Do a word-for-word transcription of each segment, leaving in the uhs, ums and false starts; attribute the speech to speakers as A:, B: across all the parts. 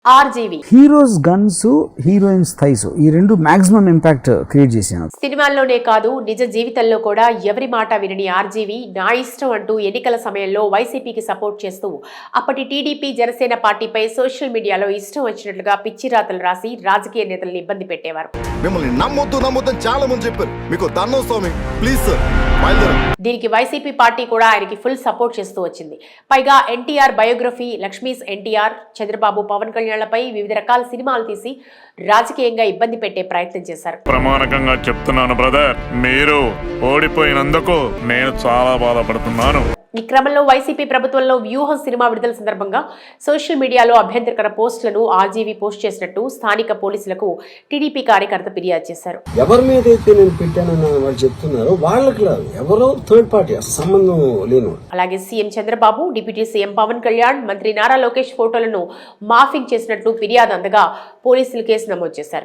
A: RGV
B: heroes guns heroines thighs ఈ రెండు maximum impact create చేశాను.
A: సినిమాల్లోనే కాదు నిజ జీవితంలో కూడా ఎవరి మాట వినని ఆర్జీవి నా ఇష్టం అంటూ ఎన్నికల సమయంలో వైసీపీకి సపోర్ట్ చేస్తూ అప్పటి టీడీపీ జనసేన పార్టీపై సోషల్ మీడియాలో ఇష్టం వచ్చినట్లుగా పిచ్చి రాతలు రాసి రాజకీయ నేతలను ఇబ్బంది పెట్టేవారు.
C: మిమ్మల్ని నమ్మొద్దు నమ్మొద్దని చాలా మంది చెప్పారు. మీకు దండం స్వామి ప్లీజ్ సార్.
A: దీనికి వైసీపీ పార్టీ కూడా ఆయనకి ఫుల్ సపోర్ట్ చేస్తూ వచ్చింది. పైగా ఎన్టీఆర్ బయోగ్రఫీ, లక్ష్మీస్ ఎన్టీఆర్, చంద్రబాబు, పవన్ కళ్యాణ్లపై వివిధ రకాల సినిమాలు తీసి రాజకీయంగా ఇబ్బంది పెట్టే ప్రయత్నం చేశారు.
D: ప్రమాణకంగా చెప్తున్నాను బ్రదర్, మీరు ఓడిపోయినందుకు నేను చాలా బాధపడుతున్నాను.
A: ఈ క్రమంలో వైసీపీ ప్రభుత్వంలో వ్యూహం సినిమా విడుదల సందర్భంగా సోషల్ మీడియాలో అభ్యంతరకర పోస్టులను ఆర్జీవి పోస్ట్ చేసినట్టు స్థానిక పోలీసులకు టీడీపీ కార్యకర్త ఫిర్యాదు చేశారు.
E: ఎవరి మీద అయితే నేను పెట్టానని వాళ్ళు చెప్తున్నారో వాళ్ళకి లేదు, ఎవరో థర్డ్ పార్టీ సంబంధం లేను.
A: అలాగే CM Chandrababu, deputy CM Pawan Kalyan, మంత్రి నారా లోకేష్ ఫోటోలను మాఫింగ్ చేసినట్లు ఫిర్యాదు అందగా పోలీసులు కేసు నమోదు చేశారు.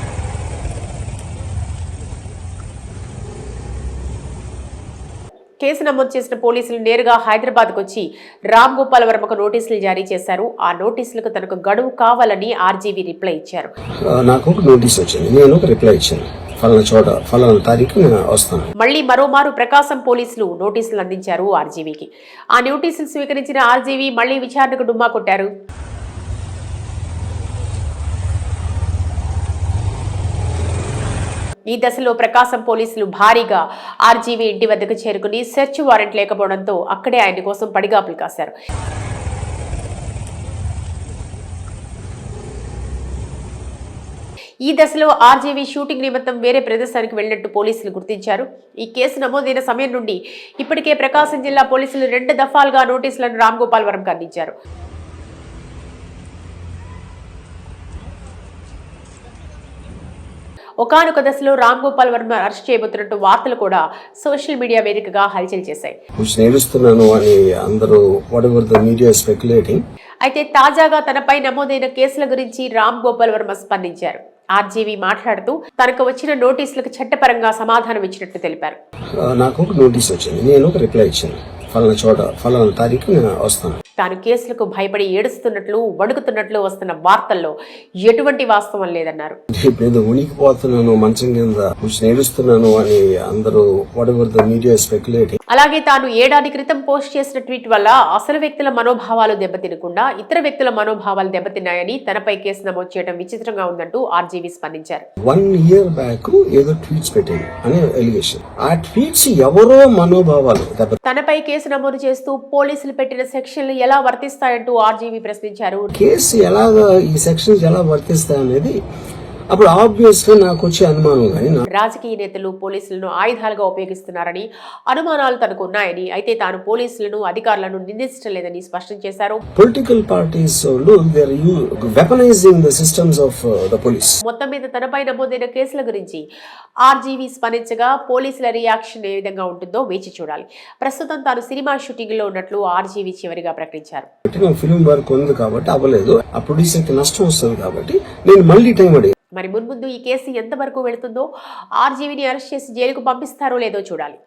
A: కేసు నమోదు చేసిన పోలీసులు నేరుగా హైదరాబాద్కు వచ్చి రామ్ గోపాల్ వర్మకు నోటీసులు జారీ చేశారు. ఆ నోటీసులకు తనకు గడువు కావాలని ఆర్జీవి రిప్లై ఇచ్చారు.
E: నాకు ఒక నోటీస్ వచ్చింది, నేను ఒక రిప్లై ఇచ్చాను, ఫలానా చోట ఫలానా తారీఖు నేను వస్తాను.
A: మళ్లీ మరోమారు ప్రకాశం పోలీసులు నోటీసులు అందించారు ఆర్జీవికి. ఆ నోటీసులు స్వీకరించిన ఆర్జీవి మళ్లీ విచారణకు డుమ్మా కొట్టారు. ఈ దశలో ప్రకాశం పోలీసులు భారీగా ఆర్జీవి ఇంటి వద్దకు చేరుకుని సెర్చ్ వారెంట్ లేకపోవడంతో అక్కడే ఆయన కోసం పడిగాపులు కాశారు. ఈ దశలో ఆర్జీవి షూటింగ్ నిమిత్తం వేరే ప్రదేశానికి వెళ్లినట్టు పోలీసులు గుర్తించారు. ఈ కేసు నమోదైన సమయం నుండి ఇప్పటికే ప్రకాశం జిల్లా పోలీసులు రెండు దఫాలుగా నోటీసులను రామ్ గోపాల్ వర్మకు అందించారు. ఒకానొక దశలో రామ్ గోపాల్ వర్మ అరెస్ట్ చేయబోతున్నట్టు వార్తలు కూడా సోషల్ మీడియా వేదికగా హల్చల్ చేశాయి. అయితే తాజాగా తనపై నమోదైన కేసుల గురించి రామ్ గోపాల్ వర్మ స్పందించారు. ఆర్జీవి మాట్లాడుతూ తనకు వచ్చిన నోటీసులకు చట్టపరంగా సమాధానం ఇచ్చినట్టు తెలిపారు.
E: నాకు ఒక నోటీస్ వచ్చింది, నేను ఒక రిప్లై ఇచ్చాను, ఫలానా చోట ఫలానా తారీఖు నేను వస్తాను.
A: తాను కేసులకు భయపడి ఏడుస్తున్నట్లు, వణుకుతున్నట్లు వస్తున్న వార్తల్లో ఎటువంటి వాస్తవం లేదన్నారు.
E: ఉనికిపోతున్నాను, మంచం కింద ఏడుస్తున్నాను అని అందరూ మీడియా స్పెక్యులేటింగ్.
A: అలాగే తాను ఏడాది క్రితం పోస్ట్ చేసిన ట్వీట్ వల్ల అసలు వ్యక్తుల మనోభావాలు దెబ్బతినకుండా ఇతర వ్యక్తుల మనోభావాలు దెబ్బతిన్నాయని తనపై కేసు నమోదు చేయడం విచిత్రంగా ఉందంటూ ఆర్జీవి స్పందించారు.
E: వన్ ఇయర్ బ్యాక్ ఏదో ట్వీట్స్ పెట్టింది అనే ఎలిగేషన్. ఆ ట్వీట్స్ ఎవరో మనోభావాలు
A: తనపై కేసు నమోదు చేస్తూ పోలీసులు పెట్టిన సెక్షన్లు ఎలా వర్తిస్తాయంటూ ఆర్జీవి ప్రశ్నించారు.
E: కేసు ఎలాగా ఈ సెక్షన్స్ ఎలా వర్తిస్తాయనేది అప్పుడు ఆబ్వియస్ గా నాకు వచ్చే అనుమానం. కానీ
A: రాజకీయ నేతలు పోలీసులను ఆయుధాలుగా ఉపయోగిస్తున్నారని అనుమానాలు తనకు ఉన్నాయని, అయితే తాను పోలీసులను అధికారులను నిందించడం లేదని స్పష్టం చేశారు.
E: Political parties weaponising the systems of the police.
A: మొత్తం మీద తనపై నమోదైన కేసుల గురించి ఆర్జీవి స్పందించగా పోలీసుల రియాక్షన్ ఏ విధంగా ఉంటుందో వేచి చూడాలి. ప్రస్తుతం తాను సినిమా షూటింగ్ లో ఉన్నట్లు ఆర్జీవి చివరిగా ప్రకటించారు.
E: ఫిల్మ్ వర్క్ ఉంది కాబట్టి అవ్వలేదు, ఆ ప్రొడ్యూసర్ కి నష్టం వస్తుంది కాబట్టి నేను మళ్ళీ టైం అడిగాను.
A: మరి మున్ముందు ఈ కేసు ఎంతవరకు వెళుతుందో, ఆర్జీవిని అరెస్ట్ చేసి జైలుకు పంపిస్తారో లేదో చూడాలి.